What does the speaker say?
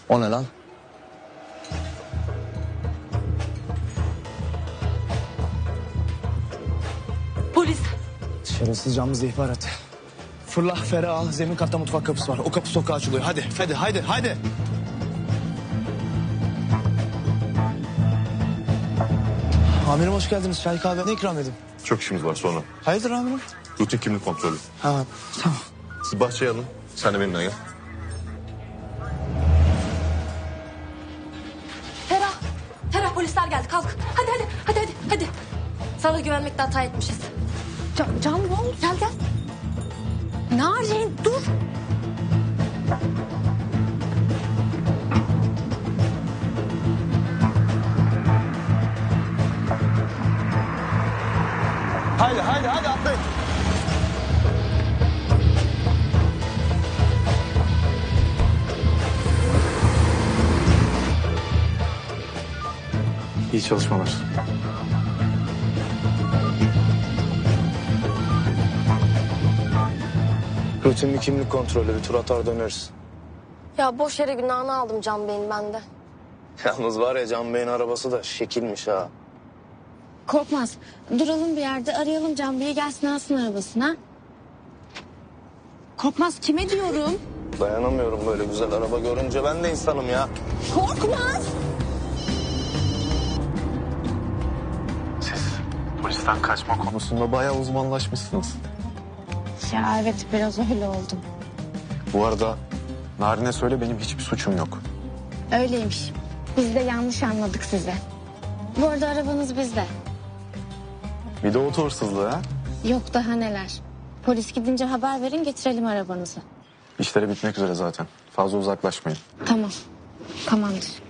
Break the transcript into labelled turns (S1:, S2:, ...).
S1: O ne lan?
S2: Polis.
S1: Şerefsiz camımızda ihbarat. Fırla Ferah al. Zemin katta mutfak kapısı var. O kapı sokağa açılıyor. Hadi. Amirim hoş geldiniz. Çay kahve ne ikram edeyim?
S3: Çok işimiz var sonra.
S1: Hayırdır amirim?
S3: Rutin kimlik kontrolü.
S1: Ha tamam.
S3: Siz bahçeye alın. Sen de benimle gel.
S2: Ferah polisler geldi kalk. Hadi. Sana güvenmekte hata etmişiz.
S4: Can ne oldu?
S2: Gel. Narin dur.
S1: Haydi atlayın.
S3: İyi çalışmalar.
S1: Rutin bir kimlik kontrolü. Bir tur atar döneriz.
S2: Ya boş yere günahını aldım Can Bey'in bende.
S1: Yalnız var ya Can Bey'in arabası da şekilmiş ha.
S4: Korkmaz. Duralım bir yerde arayalım Can Bey'i gelsin alsın arabasına. Korkmaz kime diyorum?
S1: Dayanamıyorum böyle güzel araba görünce. Ben de insanım ya.
S4: Korkmaz.
S3: Siz polisten kaçma konusunda bayağı uzmanlaşmışsınız.
S4: Ya evet biraz öyle oldum.
S3: Bu arada Narin'e söyle benim hiçbir suçum yok.
S4: Öyleymiş. Biz de yanlış anladık sizi. Bu arada arabanız bizde.
S3: Bir de oto hırsızlığı ha.
S4: Yok daha neler. Polis gidince haber verin getirelim arabanızı.
S3: İşleri bitmek üzere zaten. Fazla uzaklaşmayın.
S4: Tamam. Tamamdır.